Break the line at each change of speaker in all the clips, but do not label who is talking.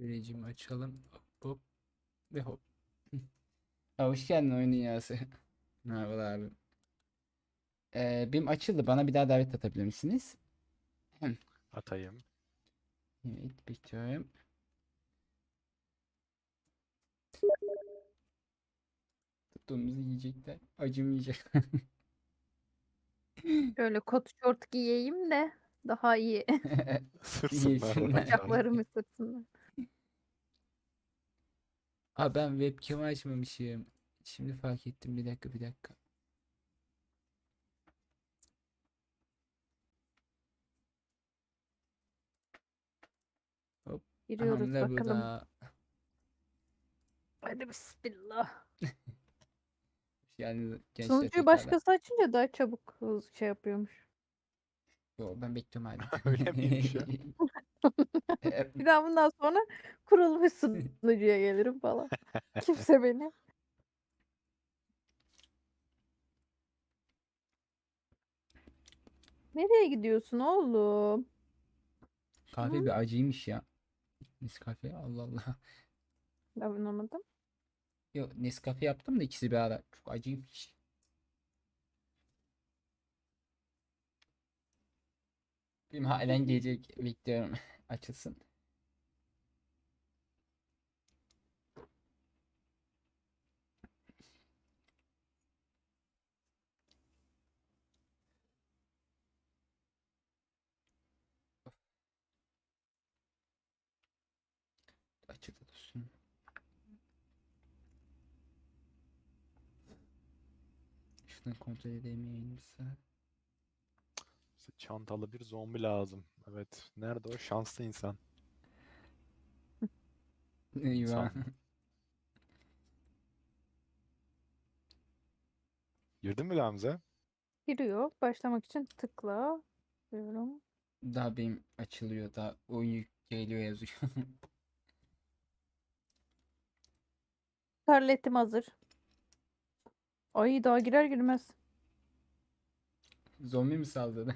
Rejimi açalım. Hop hop ve hop. Ha, hoş geldin oyun dünyası. Merhabalar abi. Benim açıldı. Bana bir daha davet atabilir misiniz? Hı.
Atayım.
Evet, bekliyorum. Tuttuğumuzu yiyecekler. Acımayacak.
Şöyle kot şort giyeyim de daha iyi.
Yesinler.
Bacaklarım
Yesinler.
ısırsınlar.
Aa, ben webcam açmamışım. Şimdi fark ettim. Bir dakika, bir dakika. Hop.
Giriyoruz
Hamle bu
bakalım.
da.
Hadi bismillah.
Yani gençler
Sunucuyu
tekrardan.
başkası açınca daha çabuk şey yapıyormuş.
Yo, ben bekliyorum hala.
Öyle miymiş ya?
Ee,
Bir daha bundan sonra kurulmuş sunucuya gelirim falan. Kimse beni. Nereye gidiyorsun oğlum?
Kahve
Hı?
bir acıymış ya. Nescafe, Allah Allah.
Ben anlamadım.
Yok, Nescafe yaptım da ikisi bir ara. Çok acıymış. Benim halen gelecek, bekliyorum. Açılsın. Açıkta dursun. Şunu kontrol edeyim yayınımızı.
Bize çantalı bir zombi lazım. Evet. Nerede o şanslı insan?
Eyvah.
İnsan mı? Girdin mi Gamze? Giriyor. Başlamak için tıkla diyorum.
Daha benim açılıyor. Daha oyun geliyor yazıyor.
Tarletim hazır. Ay daha girer girmez.
Zombi mi saldırdı?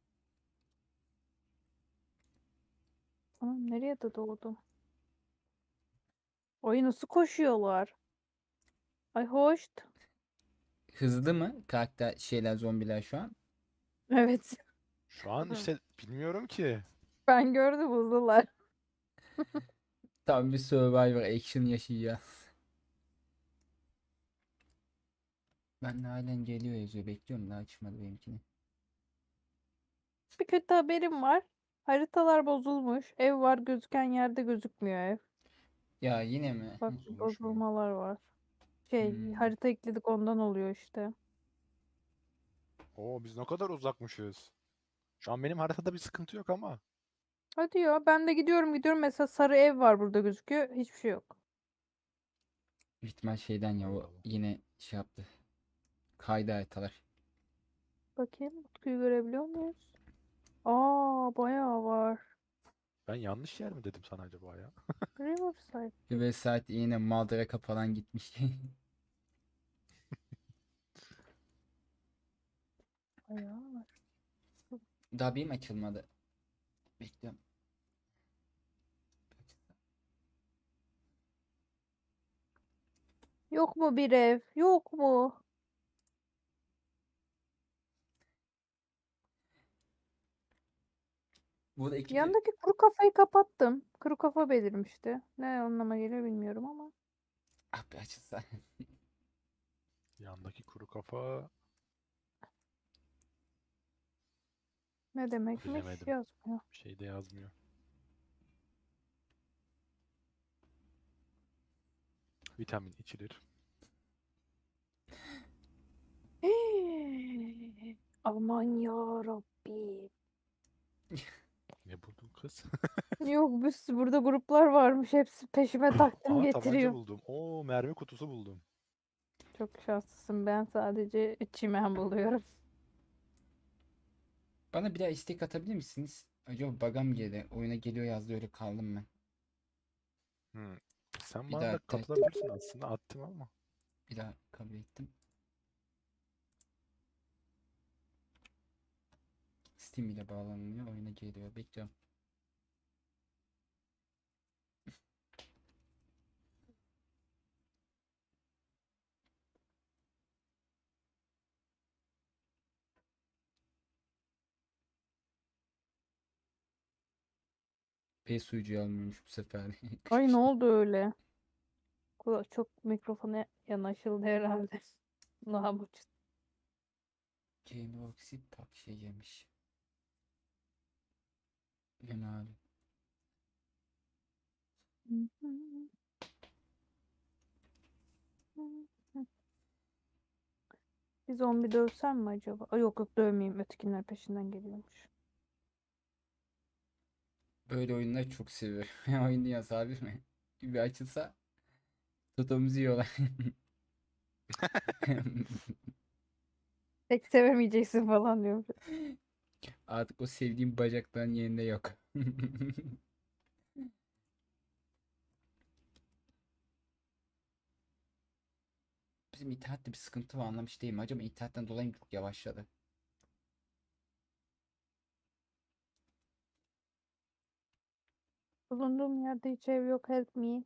Anam nereye de doğdu? Ay nasıl koşuyorlar? Ay hoş.
Hızlı mı karakter şeyler, zombiler şu an?
Evet.
Şu an işte bilmiyorum ki.
Ben gördüm hızlılar.
Tam bir Survivor action yaşayacağız. Ben de halen geliyor yazıyor. Bekliyorum, daha açmadı benimkini.
Bir kötü haberim var. Haritalar bozulmuş. Ev var gözüken yerde gözükmüyor ev.
Ya yine mi?
Bak
Bozulmuş mu?
bozulmalar var. Şey
Hmm.
harita ekledik ondan oluyor işte.
Oo biz ne kadar uzakmışız. Şu an benim haritada bir sıkıntı yok ama.
Hadi ya ben de gidiyorum mesela sarı ev var burada gözüküyor. Hiçbir şey yok.
Büyük ihtimal şeyden ya,
Allah
o
Allah.
yine şey yaptı. Kaydı haritalar.
Bakayım Utku'yu görebiliyor muyuz? Aa bayağı var.
Ben yanlış yer mi dedim sana acaba ya?
Riverside.
Ve saat yine Maldraka falan gitmiş.
Bayağı var.
Daha benim açılmadı. Bekliyorum.
Yok mu bir ev? Yok mu?
Burada ekibi
Yandaki kuru kafayı kapattım. Kuru kafa belirmişti. Ne anlama geliyor bilmiyorum ama.
abi açılsa.
Yandaki kuru kafa
Ne demekmiş
bilemedim.
yazmıyor.
Bir şey de yazmıyor. Vitamin içilir.
Aman ya Rabbi.
Ne buldun kız?
Yok bir sürü burada gruplar varmış. Hepsi peşime taktım
Aa tabanca
getiriyor.
buldum. Oo mermi kutusu buldum.
Çok şanslısın. Ben sadece çimen buluyorum.
Bana bir daha istek atabilir misiniz? Acaba bug'a mı girdi? Oyuna geliyor yazdı, öyle kaldım ben.
Hmm. Sen
Bir
bana
daha
da katılabilirsin aslında. Attım ama.
bir daha kabul ettim. Steam ile bağlanıyor. Oyuna geliyor. Bekliyorum. sucuğu almıyormuş bu sefer.
Ay ne oldu öyle? Çok mikrofona yanaşıldı herhalde. Namuç.
Gameworks'i pak şey yemiş. Yeme abi.
Bir zombi dövsem mi acaba? Ay yok yok dövmeyeyim. Ötekiler peşinden geliyormuş.
Böyle oyunları çok seviyorum. Oyun dünyası abi mi? Bir açılsa tutumuzu yiyorlar.
Pek sevemeyeceksin falan diyor.
Artık o sevdiğim bacakların yerinde yok. Bizim internette bir sıkıntı var anlamış değilim. Acaba internetten dolayı mı çok yavaşladı?
Bulunduğum yerde hiç ev yok. Help me.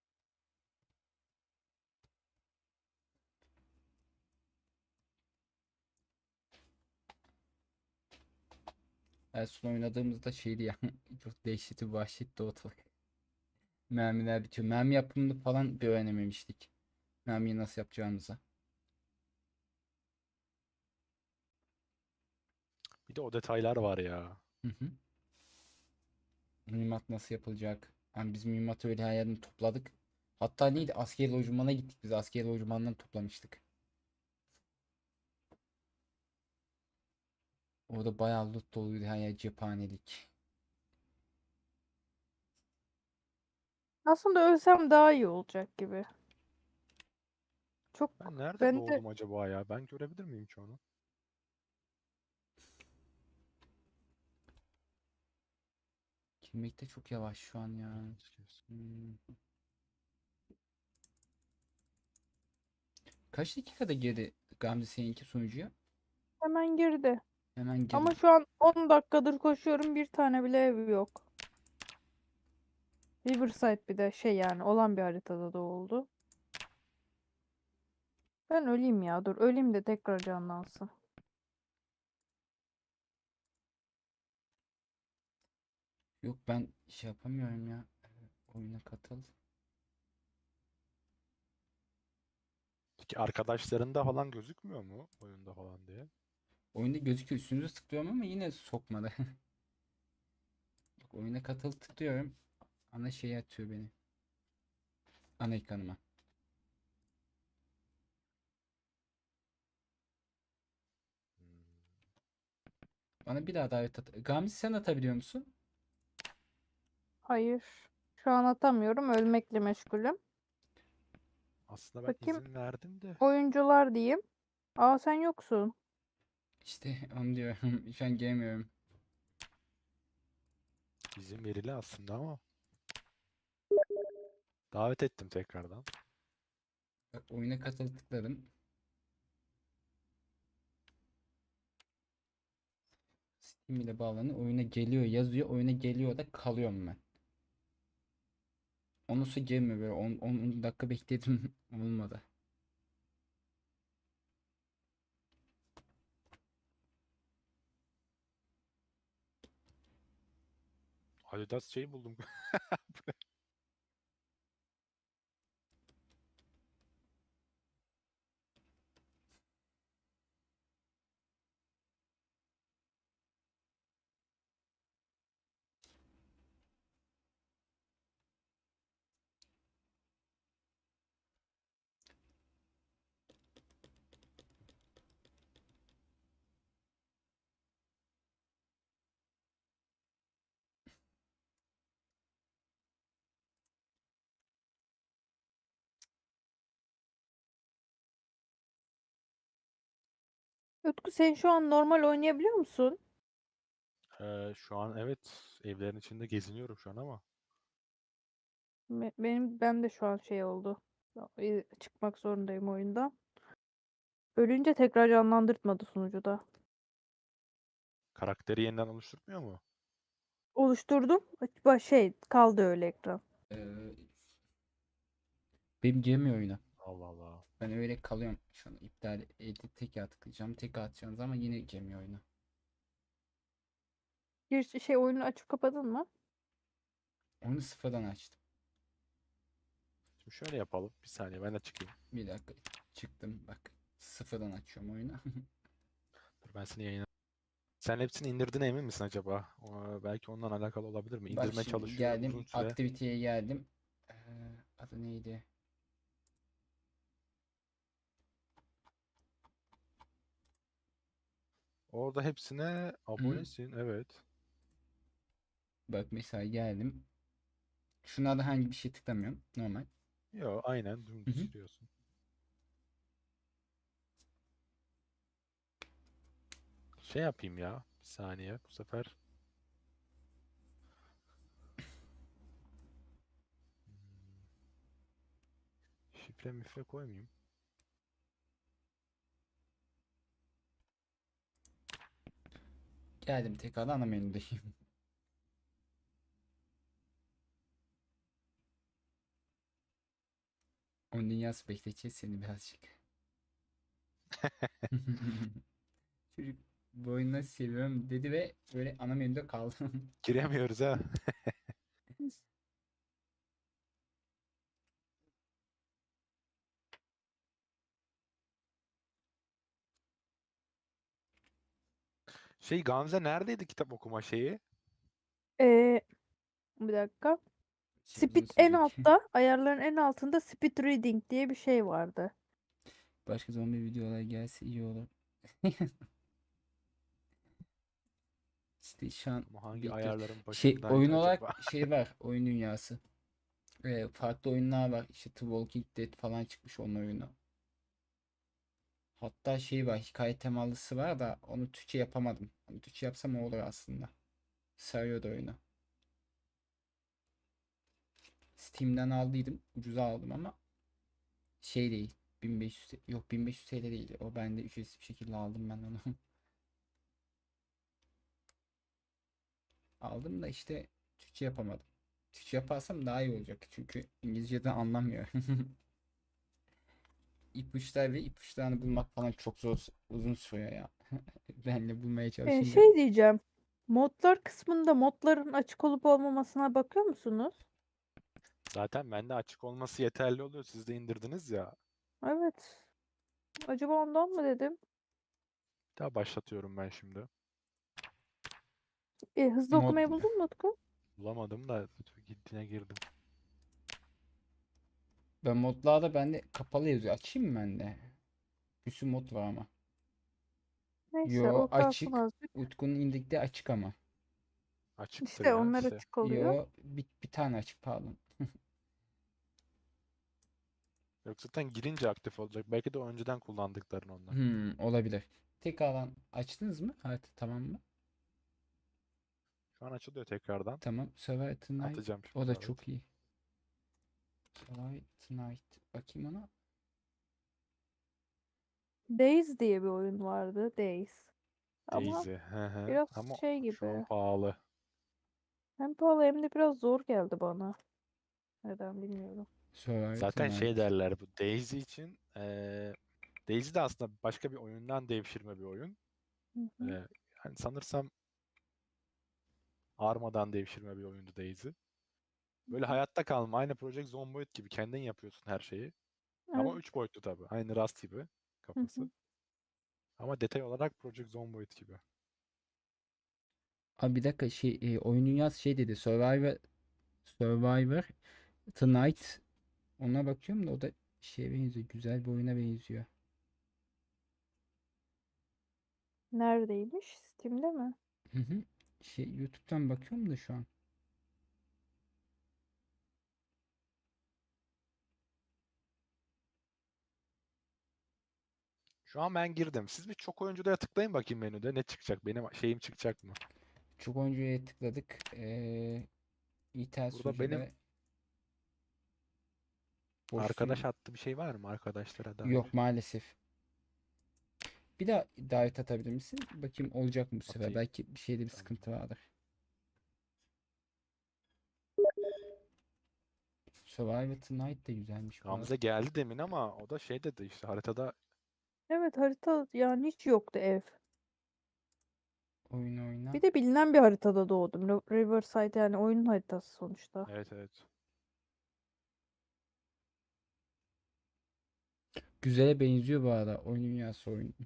En son oynadığımızda şeydi ya. Çok dehşeti vahşetti ortalık. Mermiler bitiyor. Mermi yapımını falan bir öğrenememiştik. Mermiyi nasıl yapacağımıza.
Bir de o detaylar var ya.
Hı hı. Mühimmat nasıl yapılacak? Yani biz mühimmatı öyle her yerden topladık. Hatta neydi? Askeri lojmana gittik biz. Askeri lojmandan toplamıştık. Orada bayağı loot doluydu her yer cephanelik.
Aslında ölsem daha iyi olacak gibi. Çok
Ben nerede
ben de
doğdum acaba ya? Ben görebilir miyim ki onu?
Kimlikte çok yavaş şu an ya. Hmm. Kaç dakikada girdi Gamze seninki sunucuya?
hemen girdi.
Hemen
Ama
girdi.
şu an 10 dakikadır koşuyorum. Bir tane bile ev yok. Riverside bir de şey yani olan bir haritada da oldu. Ben öleyim ya. Dur öleyim de tekrar canlansın.
Yok ben şey yapamıyorum ya. Oyuna katıl.
Peki arkadaşlarında falan gözükmüyor mu oyunda falan diye?
Oyunda gözüküyor üstünüze tıklıyorum ama yine sokmadı. Bak oyuna katıl tıklıyorum. Ana şeyi atıyor beni. Ana ekranıma.
Hmm.
Bana bir daha davet at. Gamze sen atabiliyor musun?
Hayır. Şu an atamıyorum. Ölmekle meşgulüm.
Aslında ben
Bakayım
izin verdim de
oyuncular diyeyim. Aa sen yoksun.
İşte onu diyorum. Şu an gelmiyorum.
izin verili aslında ama davet ettim tekrardan.
Bak oyuna katıl tıkladım. Steam ile bağlanıyor. Oyuna geliyor yazıyor. Oyuna geliyor da kalıyorum ben. Ondan sonra gelmiyor böyle 10 dakika bekledim. Olmadı.
Adidas şey buldum.
Utku sen şu an normal oynayabiliyor musun?
Şu an evet evlerin içinde geziniyorum şu an ama
Ben de şu an şey oldu. Çıkmak zorundayım oyundan. Ölünce tekrar canlandırtmadı sunucuda.
karakteri yeniden oluşturmuyor mu?
Oluşturdum. Şey kaldı öyle ekran.
Ee, benim girmiyor oyuna.
Allah Allah.
Ben öyle kalıyorum. Şu an iptal edip tekrar tıklayacağım. Tekrar atacağım ama yine girmiyor oyuna.
Bir şey oyunu açıp kapadın mı?
Onu sıfırdan açtım.
Şimdi şöyle yapalım. Bir saniye ben de çıkayım.
Bir dakika çıktım bak. Sıfırdan açıyorum oyunu.
Dur ben seni yayına. Sen hepsini indirdiğine emin misin acaba? Belki ondan alakalı olabilir mi?
Bak
İndirme
şimdi
çalışıyor uzun
geldim.
süre.
Aktiviteye geldim. Ee, adı neydi?
Orada hepsine
Hı.
abonesin. Evet.
Bak mesela geldim. Şuna da herhangi bir şey tıklamıyorum. Normal.
Yo aynen
Hı
dümdüz
hı.
giriyorsun. Şey yapayım ya. Bir saniye. Bu sefer şifre mifre koymayayım.
Geldim tekrar ana menüdeyim. Onun dünyası bekleteceğiz seni birazcık. Çocuk bu oyunu nasıl seviyorum dedi ve böyle ana menüde kaldım.
Giremiyoruz ha. Şey Gamze neredeydi kitap okuma şeyi?
Ee, bir dakika.
Şey uzun
Speed en
sürecek.
altta, ayarların en altında speed reading diye bir şey vardı.
Başka zombi videolar gelse iyi olur. İşte şu an
Ama hangi
bekliyoruz.
ayarların
Şey oyun
başındaydı
olarak
acaba?
şey var. Oyun dünyası. Farklı oyunlar var. İşte The Walking Dead falan çıkmış onun oyunu. Hatta şey var. Hikaye temalısı var da onu Türkçe yapamadım. Onu Türkçe yapsam olur aslında. Sarıyordu oyunu. Steam'den aldıydım. Ucuza aldım ama şey değil. 1500 yok 1500 TL değil. O bende ücretsiz bir şekilde aldım ben onu. Aldım da işte Türkçe yapamadım. Türkçe yaparsam daha iyi olacak. Çünkü İngilizceden anlamıyor. İpuçları ve ipuçlarını bulmak falan çok zor, uzun sürüyor ya. Ben de bulmaya çalışınca.
Şey diyeceğim. Modlar kısmında modların açık olup olmamasına bakıyor musunuz?
Zaten bende açık olması yeterli oluyor. Siz de indirdiniz ya.
Evet. Acaba ondan mı dedim?
Bir daha başlatıyorum ben şimdi.
Hızlı
Mod,
okumayı buldun mu Utku?
Bulamadım da gittiğine girdim.
ben modlarda bende kapalı yazıyor. Açayım mı ben de? Bir sürü mod var ama.
Neyse
Yo
o kalsın
açık.
azıcık.
Utku'nun indirdiği açık ama.
Açıktır
İşte
ya
onlar
size.
açık oluyor.
Yo bir tane açık pardon.
Yok zaten girince aktif olacak. Belki de önceden kullandıkların onlar.
Olabilir. Tekrardan açtınız mı? Evet tamam mı?
Şu an açılıyor tekrardan.
Tamam. Survive Tonight.
Atacağım
O
şimdi
da
davet.
çok iyi. Survive Tonight. Bakayım ona.
Days diye bir oyun vardı. Days. Ama
Daisy. Hı hı.
biraz
Ama
şey
şu an
gibi.
pahalı.
Hem pahalı hem de biraz zor geldi bana. Neden bilmiyorum.
Survive
Zaten şey
Tonight.
derler bu Daisy için. Daisy de aslında başka bir oyundan devşirme bir oyun.
Hı hı.
Yani sanırsam Arma'dan devşirme bir oyundu Daisy. Böyle hayatta kalma. Aynı Project Zomboid gibi kendin yapıyorsun her şeyi. Ama
Evet.
3 boyutlu tabii. Aynı Rust gibi
Hı
kafası.
hı.
Ama detay olarak Project Zomboid gibi.
Abi bir dakika şey oyun dünyası şey dedi. Survivor Tonight. Ona bakıyorum da o da şeye benziyor. Güzel bir oyuna benziyor.
Neredeymiş? Steam'de mi?
Hı hı. Şey YouTube'dan bakıyorum da şu an.
Şu an ben girdim. Siz bir çok oyuncuya tıklayın bakayım menüde. Ne çıkacak? Benim şeyim çıkacak mı?
Çok oyuncuya tıkladık. İthal
Burada
sunucu
benim
ve boş
arkadaş
sunucu.
attı bir şey var mı arkadaşlara dair?
Yok maalesef. Bir daha davet atabilir misin? Bakayım olacak mı bu sefer?
Atayım.
Belki bir şeyde bir
Tamam.
sıkıntı vardır. Survivor Tonight de güzelmiş bu arada.
Gamze geldi demin ama o da şey dedi işte haritada
Evet harita yani hiç yoktu ev.
Oyun oyna.
Bir de bilinen bir haritada doğdum. Riverside yani oyunun haritası sonuçta.
Evet evet.
Güzele benziyor bu arada. Oyun dünyası oyun.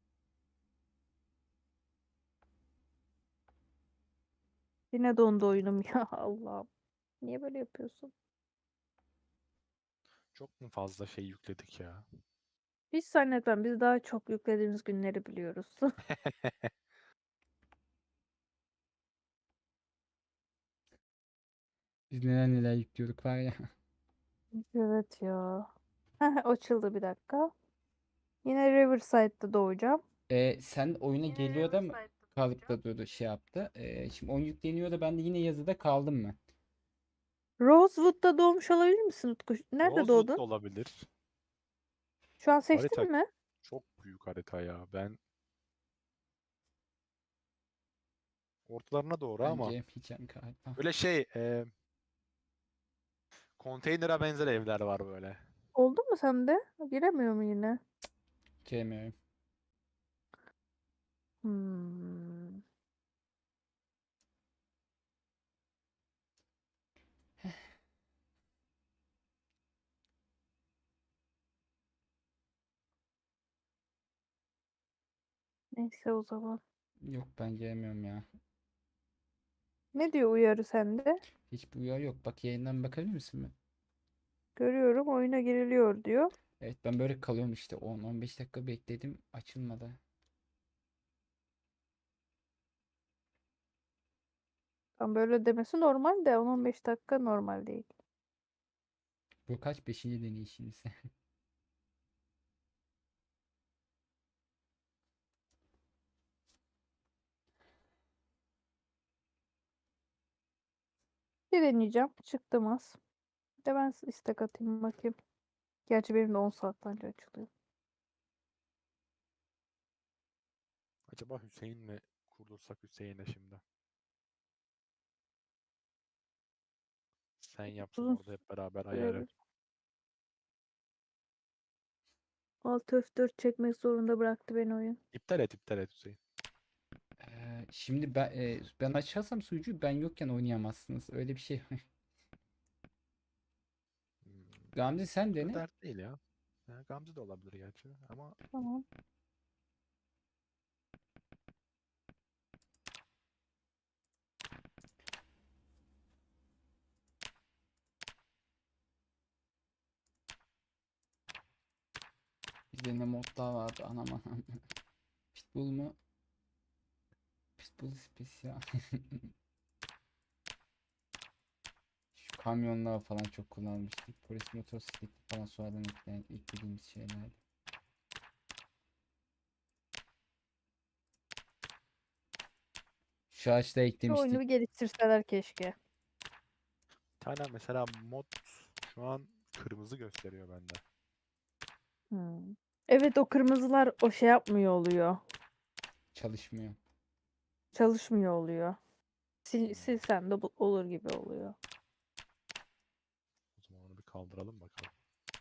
Yine dondu oyunum ya Allah'ım. Niye böyle yapıyorsun?
Çok mu fazla şey yükledik ya?
Hiç zannetmem. Biz daha çok yüklediğimiz günleri biliyoruz.
Biz neler neler yüklüyorduk var ya.
Evet ya. Heh, açıldı bir dakika. Yine Riverside'da doğacağım.
Sen oyuna geliyor da mı kalıp da durdu şey yaptı. Şimdi oyun yükleniyor da ben de yine yazıda kaldım mı?
Rosewood'da doğmuş olabilir misin Utku? Nerede
Rosewood da
doğdun?
olabilir.
Şu an
Harita
seçtin mi?
çok büyük harita ya. Ben ortalarına doğru
Bence
ama
yapacağım galiba.
böyle şey konteynere benzer evler var böyle.
Oldu mu sende? Giremiyor mu yine?
Giremiyorum.
Hmm. Neyse o zaman.
Yok ben giremiyorum ya.
Ne diyor uyarı sende?
Hiç bu uyarı yok. Bak yayından bakabilir misin mi?
Görüyorum oyuna giriliyor diyor.
Evet ben böyle kalıyorum işte 10-15 dakika bekledim açılmadı.
Tam böyle demesi normal de 10-15 dakika normal değil.
Bu kaç beşinci deneyişiniz?
Bir deneyeceğim. Çıktım az. Bir de ben istek atayım bakayım. Gerçi benim de 10 saatten önce açılıyor.
Acaba Hüseyin mi kurdursak Hüseyin'e şimdi? Sen yapsın
Uzun
orada hep beraber ayarı.
sürebilir. Alt F4 çekmek zorunda bıraktı beni oyun.
İptal et Hüseyin.
Şimdi ben açarsam sunucuyu ben yokken oynayamazsınız. Öyle bir şey.
Hmm,
Gamze sen
çok da
dene.
dert değil ya. Ya Gamze de olabilir gerçi ama
Tamam.
Bizde ne modlar vardı anam anam. Pitbull mu? Pitbull spesiyal. Şu kamyonlar falan çok kullanmıştık. Polis motosikleti falan sonradan eklediğimiz şeylerdi. Şu ağaçta
Şu oyunu
eklemiştik.
bir geliştirseler keşke.
bir tane mesela mod şu an kırmızı gösteriyor bende.
Hmm. Evet o kırmızılar o şey yapmıyor oluyor.
Çalışmıyor.
Çalışmıyor oluyor.
Hmm,
Silsen de olur gibi oluyor.
o zaman onu bir kaldıralım bakalım.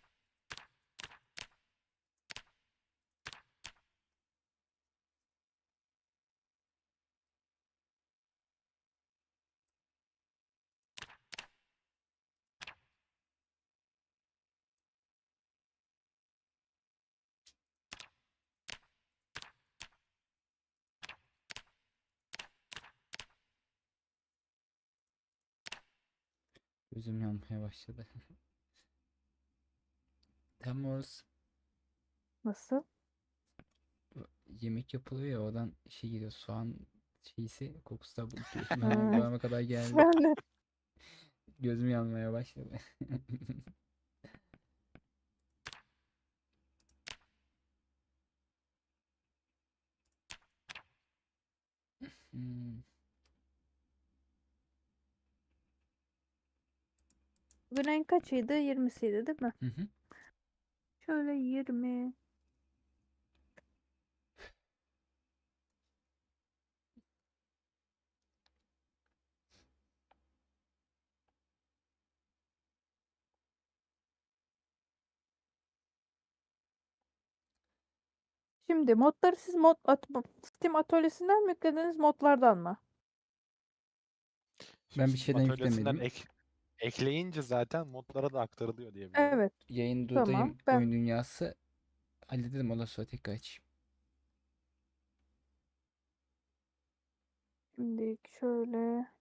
Gözüm yanmaya başladı. Temmuz.
Nasıl?
Yemek yapılıyor ya oradan şey geliyor soğan şeysi kokusu da
Hmm.
bana kadar geldi.
Ben de
Gözüm yanmaya başladı. Hmm.
bugün en kaçıydı? 20'siydi değil mi?
Hı hı.
Şöyle 20. Şimdi modları siz Steam atölyesinden mi yüklediniz, modlardan mı?
Ben bir
Steam
şeyden
atölyesinden
yüklemedim.
ekleyince zaten modlara da aktarılıyor diye biliyorum.
Evet.
Yayın
Tamam.
durdayım. Oyun dünyası halledelim, ondan sonra tekrar açayım.
Şimdi şöyle